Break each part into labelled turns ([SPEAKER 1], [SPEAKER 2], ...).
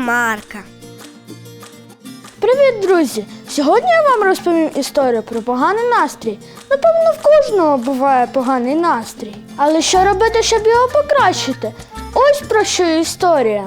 [SPEAKER 1] Марка.
[SPEAKER 2] Привіт, друзі! Сьогодні я вам розповім історію про поганий настрій. Напевно, в кожного буває поганий настрій. Але що робити, щоб його покращити? Ось про що історія.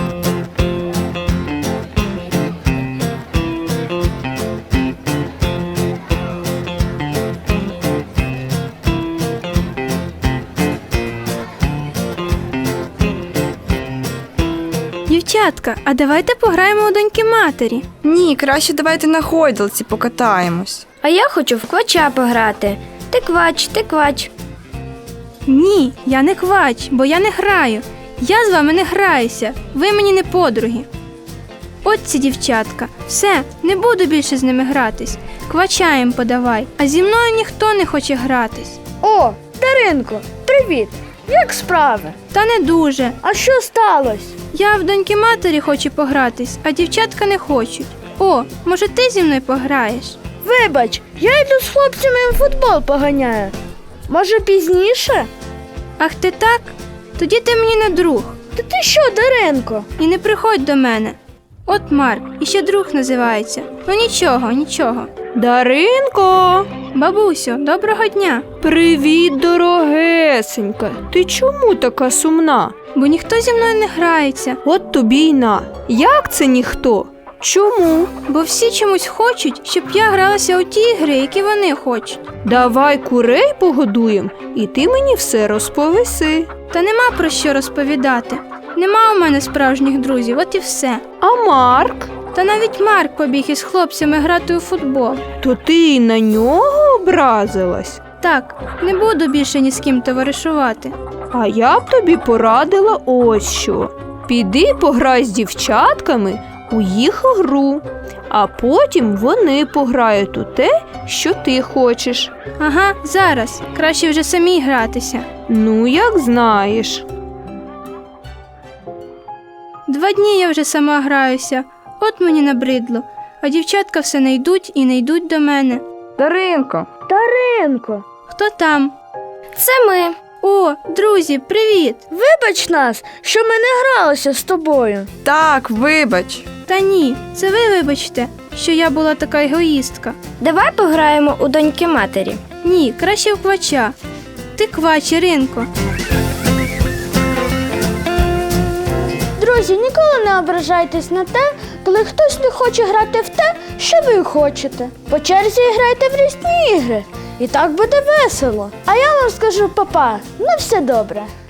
[SPEAKER 3] Дівчатка, а давайте пограємо у доньки матері.
[SPEAKER 4] Ні, краще давайте на гойдалці покатаємось.
[SPEAKER 1] А я хочу в квача пограти. Ти квач, ти квач.
[SPEAKER 3] Ні, я не квач, бо я не граю. Я з вами не граюся, ви мені не подруги. От ці дівчатка, все, не буду більше з ними гратись. Квача їм подавай, а зі мною ніхто не хоче гратись.
[SPEAKER 2] О, Даринко, привіт! Як справи?
[SPEAKER 3] Та не дуже.
[SPEAKER 2] А що сталося?
[SPEAKER 3] Я в доньки матері хочу погратись, а дівчатка не хочуть. О, може ти зі мною пограєш?
[SPEAKER 2] Вибач, я йду з хлопцями в футбол поганяю. Може, пізніше?
[SPEAKER 3] Ах ти так? Тоді ти мені не друг.
[SPEAKER 2] Та ти що, Даринко?
[SPEAKER 3] І не приходь до мене. От Марк, іще друг називається. Ну нічого, нічого.
[SPEAKER 4] Даринко!
[SPEAKER 3] Бабусю, доброго дня.
[SPEAKER 4] Привіт, дорогесенька. Ти чому така сумна?
[SPEAKER 3] Бо ніхто зі мною не грається.
[SPEAKER 4] От тобі й на. Як це ніхто? Чому?
[SPEAKER 3] Бо всі чомусь хочуть, щоб я гралася у ті ігри, які вони хочуть.
[SPEAKER 4] Давай курей погодуємо, і ти мені все розповіси.
[SPEAKER 3] Та нема про що розповідати. Нема у мене справжніх друзів, от і все.
[SPEAKER 4] А Марк?
[SPEAKER 3] Та навіть Марк побіг із хлопцями грати у футбол.
[SPEAKER 4] То ти й на нього образилась?
[SPEAKER 3] Так, не буду більше ні з ким товаришувати.
[SPEAKER 4] А я б тобі порадила ось що. Піди пограй з дівчатками у їх гру, а потім вони пограють у те, що ти хочеш.
[SPEAKER 3] Ага, зараз. Краще вже самій гратися.
[SPEAKER 4] Ну, як знаєш.
[SPEAKER 3] 2 дні я вже сама граюся. От мені набридло. А дівчатка все не йдуть і не йдуть до мене.
[SPEAKER 4] Даринко.
[SPEAKER 2] Даринко,
[SPEAKER 3] Хто там?
[SPEAKER 1] Це ми.
[SPEAKER 3] О, друзі, привіт!
[SPEAKER 2] вибач нас, що ми не гралися з тобою.
[SPEAKER 4] Так, вибач.
[SPEAKER 3] Та ні, це ви вибачте, що я була така егоїстка.
[SPEAKER 1] Давай пограємо у доньки матері.
[SPEAKER 3] Ні, краще в квача. Ти квач, Іринко.
[SPEAKER 2] Друзі, ніколи не ображайтесь на те, коли хтось не хоче грати в те, що ви хочете. По черзі грайте в різні ігри. І так буде весело. А я вам скажу, папа, на все добре.